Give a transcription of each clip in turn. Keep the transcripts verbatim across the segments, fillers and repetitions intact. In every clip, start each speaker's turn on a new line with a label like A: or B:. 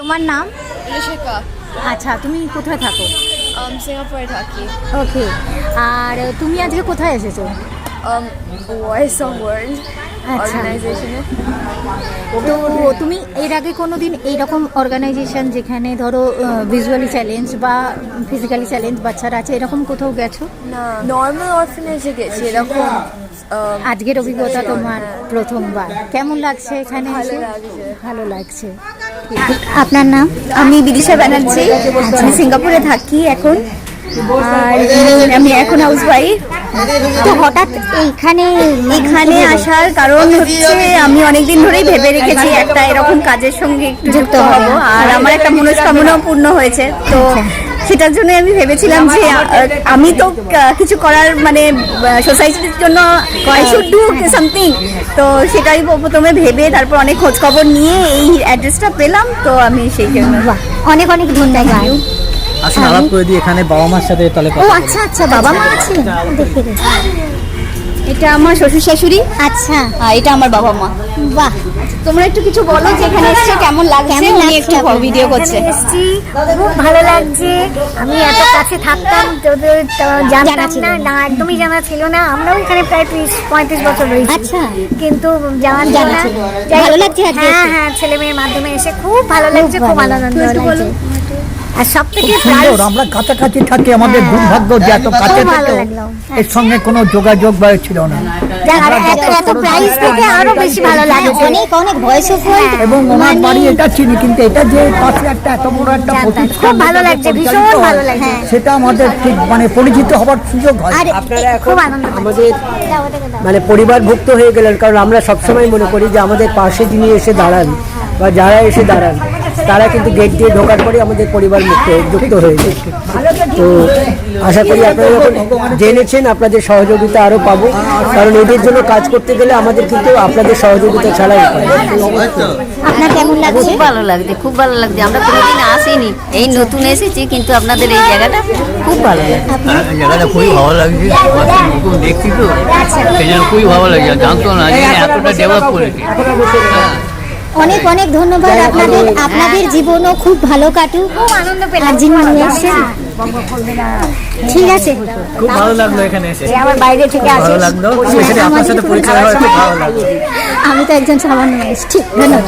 A: তোমার নাম?
B: ঋষিকা।
A: আচ্ছা, তুমি কোথায় থাকো?
B: um, সিঙ্গাপুরে থাকি।
A: ওকে, আর তুমি আজকে কোথায় এসেছো?
B: um, ভয়েস অফ ওয়ার্ল্ড
A: আচ্ছা,
B: অর্গানাইজেশনে।
A: তো তুমি এর আগে কোনো দিন এইরকম অর্গানাইজেশন যেখানে ধরো ভিজুয়ালি চ্যালেঞ্জ বা ফিজিক্যালি চ্যালেঞ্জ বাচ্চারা আছে এরকম কোথাও গেছো?
B: না, নর্মাল অরফানেজে গেছি এরকম। um,
A: আজকের অভিজ্ঞতা তোমার প্রথমবার, কেমন লাগছে এখানে
B: ভালো
A: এসে?
B: লাগছে।
A: ভালো লাগছে। আপনার নাম?
C: আমি বিদিশা ব্যানার্জি, আমি সিঙ্গাপুরে থাকি এখন, আর আমি এখন হাউস ওয়াইফ।
A: তো হঠাৎ এইখানে
C: এখানে আসার কারণ হচ্ছে আমি অনেকদিন ধরেই ভেবে রেখেছি একটা এরকম কাজের সঙ্গে একটু যুক্ত হব, আর আমার একটা মনস্কামনাও পূর্ণ হয়েছে। তো সেটার জন্য আমি ভেবেছিলাম যে আহ, আমি তো কা- কিছু করার মানে সোসাইটির জন্য আই শুড ডু সামথিং। তো সেটাই প্রথমে ভেবে তারপর অনেক খোঁজ খবর নিয়ে এই অ্যাড্রেসটা পেলাম, তো আমি সেই জন্য।
A: বাহ, অনেক অনেক ধন্যবাদ।
D: আসলে আলাপ করে দিই এখানে বাবা মার সাথে তাহলে
A: ও আচ্ছা আচ্ছা, বাবা মা আছে দেখতে দেখতে।
C: এটা আমার শ্বশুর শাশুড়ি,
A: আচ্ছা,
C: আর এটা আমার বাবা মা।
A: বাহ,
C: তোমরা একটু কিছু বলো যে এখানে এসে কেমন লাগছে।
A: কেমন
C: উনি
A: লাগছে
C: একটু
A: আপনার?
C: ভিডিও করছে।
E: এসছি, খুব ভালো লাগছে। আমি এত কাছে থাকতাম তোদের তো জানতাম
A: জানা ছিল
E: না,
A: না।
E: না একদমই জানা ছিল না। আমরাও এখানে প্রায় ত্রিশ পঁয়ত্রিশ বছর রয়েছি,
A: আচ্ছা।
E: কিন্তু জানা ছিল
A: জানা
E: না।
A: ছিল না।
E: যাই হোক,
A: ভালো লাগছে আজকে
E: হ্যাঁ
A: এসে?
E: হ্যাঁ, ছেলে মেয়ের মাধ্যমে এসে খুব ভালো লাগছে, খুব
A: ভালো
E: আনন্দ
A: লাগছে।
E: লাগছে। আর সব থেকে
D: সুন্দর, আমরা কাছাকাছি থাকি, আমাদের দুর্ভাগ্য যে এত কাছে
E: খুব ভালো
D: থেকেও
E: লাগলো।
D: এর সঙ্গে কোনো যোগাযোগ বা ছিল না।
E: আর এত এত প্রাইস থেকে আরো বেশি ভালো লাগছে।
A: অনেক অনেক ভয়েস অফ ওয়ার্ল্ড
D: এবং ওনার বাড়ি এটা চিনি, কিন্তু এটা যে পাশে একটা এত বড় একটা প্রতিষ্ঠান
E: খুব ভালো
D: যেটা
E: লাগছে,
D: পরিচালিত
E: ভীষণ
D: হয়,
E: ভালো লাগছে।
D: সেটা আমাদের ঠিক মানে পরিচিত হবার সুযোগ হয়।
A: আর
F: আপনারা এখন
E: খুব আনন্দ পাচ্ছি।
F: আমাদের মানে পরিবারভুক্ত হয়ে গেলেন, কারণ আমরা সবসময় মনে করি যে আমাদের পাশে যিনি এসে দাঁড়ান বা যারা এসে দাঁড়ান তারা কিন্তু গেট দিয়ে ঢোকার পরে আমাদের পরিবার মুক্ত যুক্ত হয়ে যায়। তো আশা করি আপনারা যখন জেনেছেন আপনাদের সহযোগিতা আরও পাবো, কারণ এদের জন্য কাজ করতে গেলে আমাদের কিন্তু আপনাদের সহযোগিতা ছাড়া উপায় নেই।
A: আপনার কেমন লাগছে?
C: খুব ভালো লাগছে, খুব ভালো লাগছে। আমরা কোনোদিন আসিনি, এই নতুন এসেছি, কিন্তু আপনাদের এই জায়গাটা খুব ভালো লাগছে।
G: জায়গাটা খুবই ভালো লাগছে, নতুন দেখছি তো সেই জন্য খুবই ভালো লাগছে। জানতো না যে এতটা ডেভেলপ করেছে।
A: অনেক অনেক ধন্যবাদ আপনাদের, আপনাদের জীবনও খুব ভালো কাটুক।
E: খুব আনন্দ পেলাম।
A: আর যিনি নিয়ে এসেছেন, ঠিক আছে।
D: খুব ভালো লাগলো এখানে এসে,
E: যে আমার বাইরে থেকে
D: ভালো
E: আসে,
D: লাগলো, স্পেশালি আপনার সাথে পরিচয় হওয়ার খুব ভালো লাগলো।
A: আমি তো একজন সামান্য এসেছি। ঠিক, ধন্যবাদ।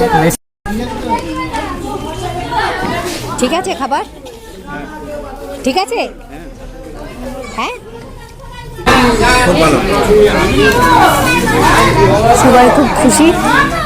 A: ঠিক আছে, খাবার ঠিক আছে? হ্যাঁ, সবাই খুব খুশি।